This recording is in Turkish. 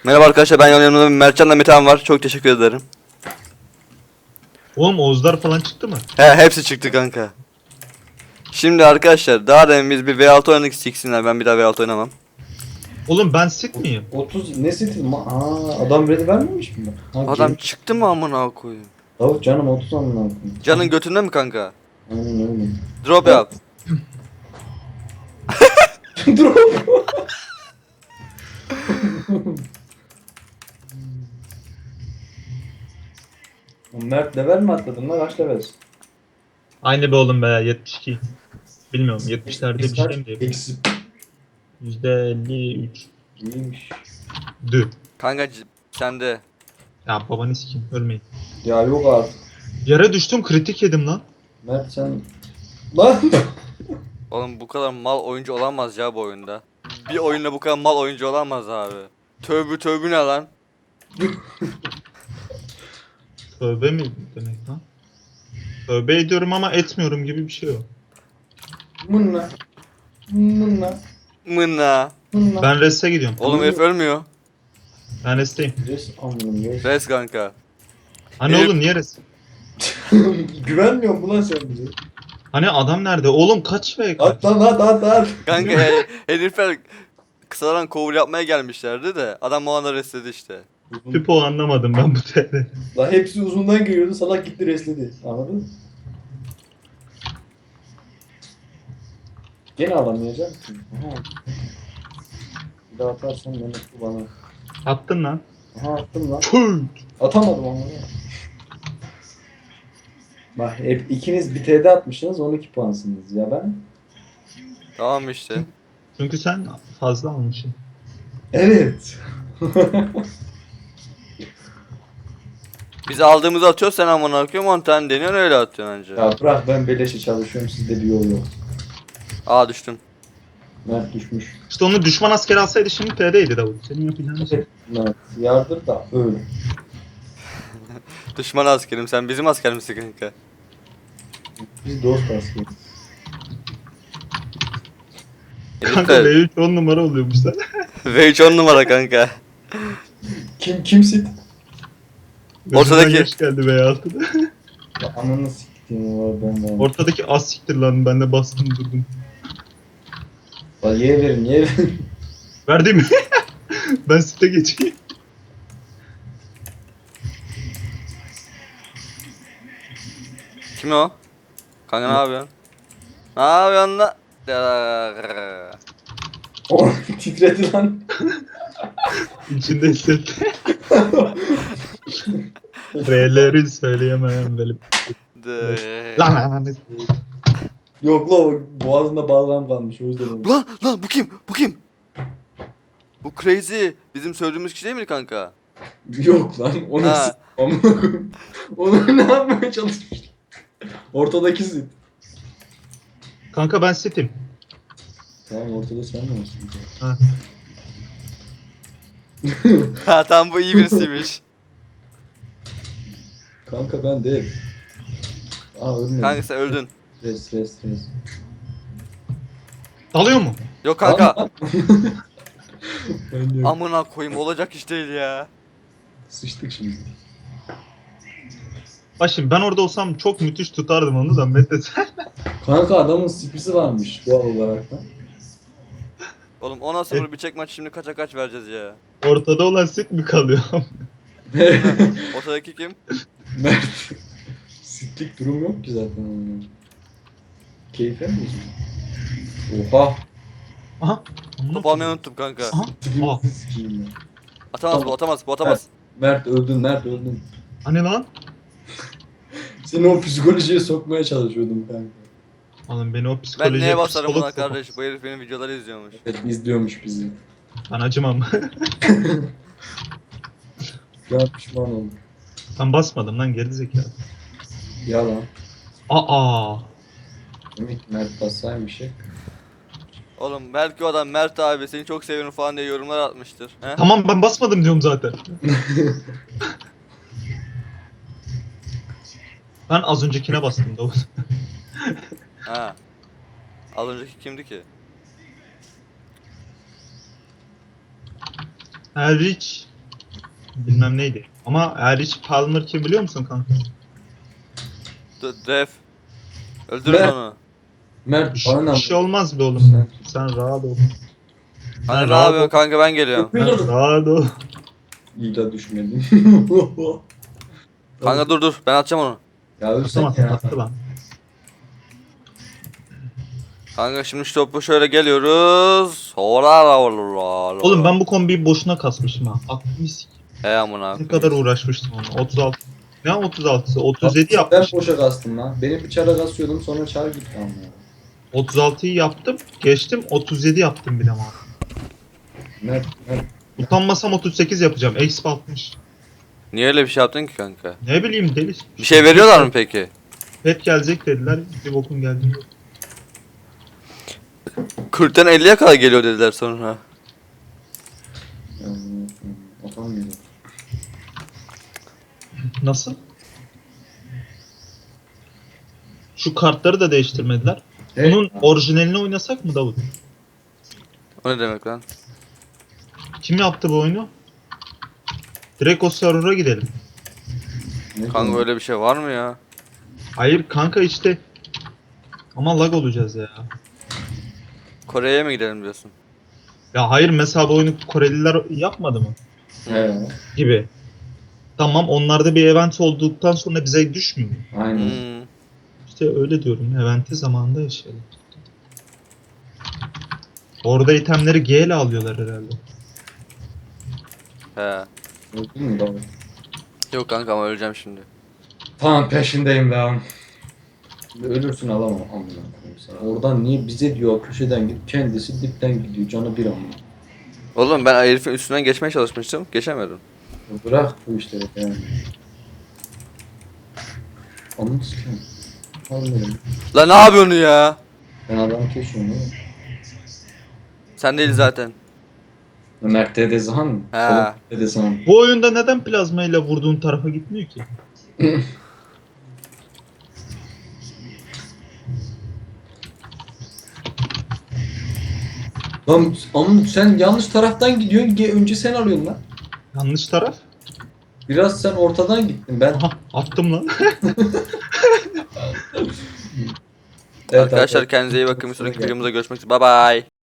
Merhaba arkadaşlar, ben yanımda Mertcan'la Metehan var. Çok teşekkür ederim. Oğlum Oğuzlar falan çıktı mı? He, hepsi çıktı kanka. Şimdi arkadaşlar, daha demin biz bir V6 oynadık, siksinler, ben bir daha V6 oynamam. Oğlum ben sit miyim? 30 ne seti? Adam ready vermemiş mi? Adam çıktı mı amına koyayım? Tavuk canım 30 amına koyayım. Canın götünde mi kanka? Aynen öyle. Drop yap. Dur. Mert level mi atladın lan? Kaç levelsin? Aynı be oğlum be 72. Bilmiyorum 70'lerde bir şey mi diye. Eksi. %53. İyiymiş. Dü. Kanka sende. Ya babanı sikeyim ölmeyin. Ya yok artık. Yere düştüm kritik yedim lan. Mert sen... Lan! Oğlum bu kadar mal oyuncu olamaz ya bu oyunda. Bir oyunda bu kadar mal oyuncu olamaz abi. Tövbe tövbe ne lan? Tövbe mi demek lan? Tövbe ediyorum ama etmiyorum gibi bir şey o. Mınna. Mınna. Mına. Mınna. Ben reste gidiyorum. Oğlum herif ölmüyor. Ben resteyim. Res amınım res. Res kanka. Hani Herif- oğlum niye rest? Güvenmiyor mu lan sen bize? Hani adam nerede? Oğlum kaç be kaç? At lan at. Kanka herifler kısadan kovul yapmaya gelmişlerdi de adam o anda resledi işte. Pipo anlamadım ben bu TR'de. Lan hepsi uzundan geliyordu, salak gitti resledi. Anladın mı? Gene alamayacağım ki. Aha. Bir daha atarsan ne mutlu bana. Attın lan. Aha attım lan. Tüh. Atamadım ama ya. Bak hep ikiniz bir TD atmışsınız 12 puansınız ya ben. Tamam işte. Çünkü sen fazla almışsın. Evet. Biz aldığımızı atıyoruz, sen amına koyayım 10 tane deniyorsun, öyle atıyorsun anca. Ya bırak ben beleşe çalışıyorum sizde bir yol yok. Aa düştüm. Mert düşmüş. İşte onu düşman askeri alsaydı şimdi TR'ydi Davut. Senin yapacağın şey. Mert yardır da öyle. Düşman askerim, sen bizim asker misin kanka? Biz dost askeriz. Kanka Herifler V3 10 numara oluyormuş lan. V3 10 numara kanka. Kimsin? Ortadaki- Gözümden yaş geldi V6'da. Ya ananı siktiğim var ben. Ortadaki az siktir lan ben de bastım durdum. Bak ye verin. Verdi mi? Ben site geçeyim. Kim o? Kanka ne yapıyorsun? Ne yapıyorsun la? O titredi lan. İçinde hissetti. R'leri söyleyemem böyle. Lan. Yok la o boğazında balgam kalmış o yüzden oldu. Lan bu kim? Bu kim? Bu crazy. Bizim söylediğimiz kişi değil mi kanka? Yok lan onu Ha. amına koyayım. Onu ne yapmaya çalışmış? Ortadaki sit. Kanka ben sitim. Tamam ortada sen mi olsun? Ha. Ha tam bu iyi birisiymiş. Kanka ben değil. Aa ölmedim. Kanka sen öldün. Res. Dalıyor mu? Yok kanka. Lan. Ben de Amına koyayım, olacak iş değil ya. sıçtık şimdi. Bak şimdi ben orada olsam çok müthiş tutardım onu da Mete sen. Kanka adamın spisi varmış doğal olarak da. Oğlum 10'a 0 bir çek maç, şimdi kaça kaç vereceğiz ya? Ortada olan sit mi kalıyor? Ortadaki kim? Mert. Sitlik durum yok ki zaten onun. Keyfe mi bozuldu? Oha. Aha. Top almayı unuttum kanka. Aha. Aa. Tipimizi sikeyim ya. Atamaz bu, atamaz bu, atamaz. Mert öldün. Hani lan? Seni o psikolojiye sokmaya çalışıyordum kanka. Oğlum beni o Ben psikolojiye neye basarım buna psikolog kardeş? Bu herif benim videoları izliyormuş. Evet izliyormuş bizi. Ben acımam. Ya pişman oldum. Ben basmadım lan gerizekalı. Yalan. Aa. Demek ki Mert bassaymış ya. Oğlum belki o adam Mert abi seni çok seviyorum falan diye yorumlar atmıştır. He? Tamam ben basmadım diyorum zaten. Ben az öncekine bastım Davut. Ha. Az önceki kimdi ki? Her hiç bilmem neydi. Ama Erich Palmer kim biliyor musun kanka? Def. Öldürün Ben- onu. Mert Bir, bana bir şey olmaz be oğlum. Sen rahat ol. Kanka ne rahat yapıyorsun ol. kanka, ben geliyorum. Sen rahat ol. İyi de düşmedim. Kanka dur ben atacağım onu. Ya ölsen Atamazsın ya. attı lan. Kanka şimdi şu topu şöyle geliyoruz. Hola Oğlum ben bu kombiyi boşuna kasmışım ha. Aklımı s***. He amına. Ne kadar uğraşmıştım onu. 36. Ne 36'sı? 37 Ben yapmış. boşa kastım lan. Benim bir çara kasıyordum sonra çar gitti ama. 36'yı yaptım. Geçtim 37 yaptım bir de ama. Mert. Utanmasam 38 yapacağım. Exp 60. Niye öyle bir şey yaptın ki kanka? Ne bileyim deli. Bir şey veriyorlar mı peki? Pet gelecek dediler. Bir bokun geldi. 40'tan 50'ye kadar geliyor dediler sonra. Atamıyorum. Nasıl? Şu kartları da değiştirmediler. Bunun orijinalini oynasak mı Davut? O ne demek lan? Kim yaptı bu oyunu? Direkt o server'a gidelim. Ne Kanka diyorsun? öyle bir şey var mı ya? Hayır kanka işte. Ama lag olacağız ya. Kore'ye mi gidelim diyorsun? Ya hayır mesela bu oyunu Koreliler yapmadı mı? He. Gibi. Tamam onlarda bir event olduktan sonra bize düşmüyor mu? Aynen. Hmm. İşte öyle diyorum. Eventi zamanında yaşayalım. Orada itemleri G ile alıyorlar herhalde. He. Öldün mü Davut? Yok kanka ama öleceğim şimdi. Tamam peşindeyim lan. Ölürsün alamam amına koyayım sana. Oradan niye bize diyor köşeden git kendisi dipten gidiyor canı bir amına. Oğlum ben herifin üstünden geçmeye çalışmıştım. Geçemedim. Bırak bu işleri yani. Anladın mı? Anladım. La ne yapıyorsun ya? Ben adamı kesiyorum değil mi? Sen değil zaten. Mert Dedesan mı? He. Soluk Dedesan. Bu oyunda neden plazma ile vurduğun tarafa gitmiyor ki? Lan ama sen yanlış taraftan gidiyorsun. Önce sen alıyorsun lan. Yanlış taraf. Biraz sen ortadan gittin. Ben Aha attım lan. Evet, Arkadaşlar kendinize iyi bakın. Bir sonraki videomuzda görüşmek üzere. Bye bye.